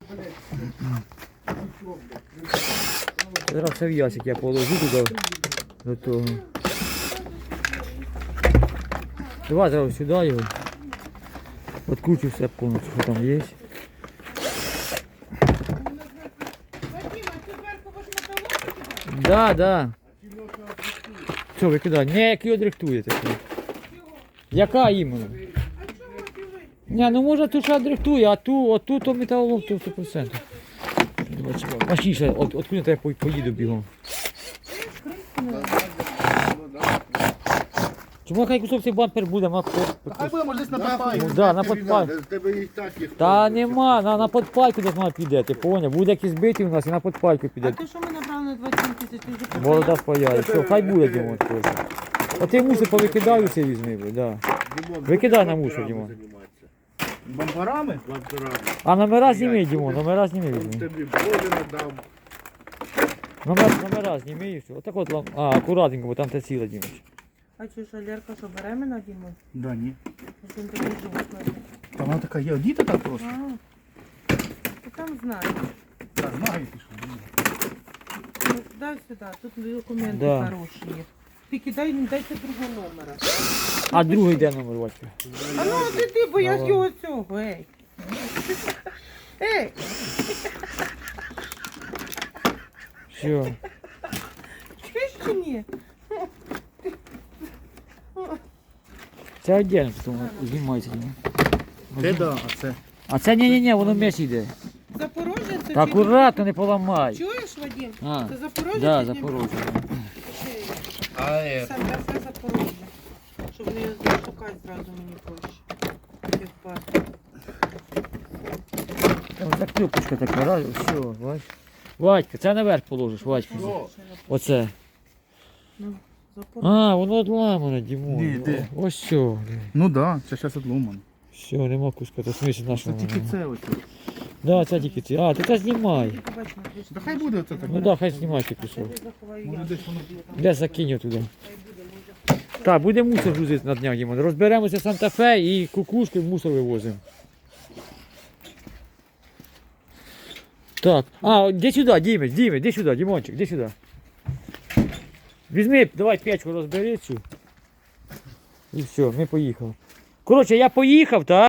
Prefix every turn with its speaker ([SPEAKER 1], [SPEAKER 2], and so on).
[SPEAKER 1] Зараз все в ящик я положу туди, до того. Давай зараз сюди його. Откручу все повністю, що там є. Да, да. Що, викидай? Не, як його дрихтуєте. Яка іменно? Не, ну може тут ще дрихтує, а отут то металолом, то 100%. Мощніше, откуда я поїду бігом. Чому хай кусок цей бампер буде,
[SPEAKER 2] Хай буде, може десь на подпайку.
[SPEAKER 1] Ну, да, на подпайку. Та нема, на подпайку десь має піде, ти поняв? Буде якийсь битий у нас і на подпайку
[SPEAKER 3] А
[SPEAKER 1] піде.
[SPEAKER 3] ти що ми набрали на 27 тисяч? Ти вже
[SPEAKER 1] Борода спаяє. Все, хай буде, Дімон. От ти мусор повикидаю все візьми, да. Викидай на мусор, Дімон.
[SPEAKER 2] Бампарами?
[SPEAKER 1] А номера зніми, Дімон, номера зніми візьми.
[SPEAKER 2] Тобі Боже надам.
[SPEAKER 1] Номера зніми і все. Отак от, акуратненько, бо там те ціле, Дімон.
[SPEAKER 3] А чи ж Лерка, що беременна, Дімон?
[SPEAKER 2] Да, ні.
[SPEAKER 3] Він такий жовтий.
[SPEAKER 2] Та вона така є, діти так просто.
[SPEAKER 3] Ти там знаєш.
[SPEAKER 2] Так, ноги пішли.
[SPEAKER 3] Ну, дай сюди, тут документи
[SPEAKER 1] Да.
[SPEAKER 3] хороші є. Тільки дайте другого номера.
[SPEAKER 1] А другий де номер, Ватька?
[SPEAKER 3] А ну ти, бо я з його цього, ей. Ей,
[SPEAKER 1] Все.
[SPEAKER 3] чуєш чи ні?
[SPEAKER 1] Це віддільно, тому знімається, Дімон.
[SPEAKER 2] Це да, а це.
[SPEAKER 1] А це ні, воно м'яч йде.
[SPEAKER 3] Запорожжя це
[SPEAKER 1] Та
[SPEAKER 3] чи-
[SPEAKER 1] акуратно, не поламай.
[SPEAKER 3] Чуєш, Вадим?
[SPEAKER 1] А,
[SPEAKER 3] Це Запорожжя?
[SPEAKER 1] да,
[SPEAKER 3] чи Дніпро?
[SPEAKER 1] Запорожжя.
[SPEAKER 2] А
[SPEAKER 3] Це Запорожжя. Щоб не шукати зразу мені проще. Півпасти.
[SPEAKER 1] Ось так клюпочка така, раз, все, бач. Вадька, це наверх положиш, Вадька. Оце.
[SPEAKER 3] Ну, Запорожжя.
[SPEAKER 1] А, воно одламане, Дімон.
[SPEAKER 2] Ні, де?
[SPEAKER 1] Ось все.
[SPEAKER 2] Ну да, це зараз отломано.
[SPEAKER 1] Все, нема куска, то смисл
[SPEAKER 2] Це
[SPEAKER 1] нашого.
[SPEAKER 2] тільки це ось.
[SPEAKER 1] Да, це тільки це. А, ти це знімай.
[SPEAKER 3] Тільки бач, на кришці.
[SPEAKER 2] Та хай буде оце так.
[SPEAKER 1] Ну да, хай знімай цей кусок.
[SPEAKER 3] Я заховаю
[SPEAKER 2] Може
[SPEAKER 3] я.
[SPEAKER 2] десь воно.
[SPEAKER 1] Де закинь його туди. Так, буде мусор грузити на днях, Дімон. Розберемося в Санта-Фе і кукушки в мусор вивозимо. Так, іди сюди, Дімець, іди сюди, Дімончик, іди сюди. Візьми, давай печку розбери цю. І все, ми поїхали. Коротше, я поїхав, так?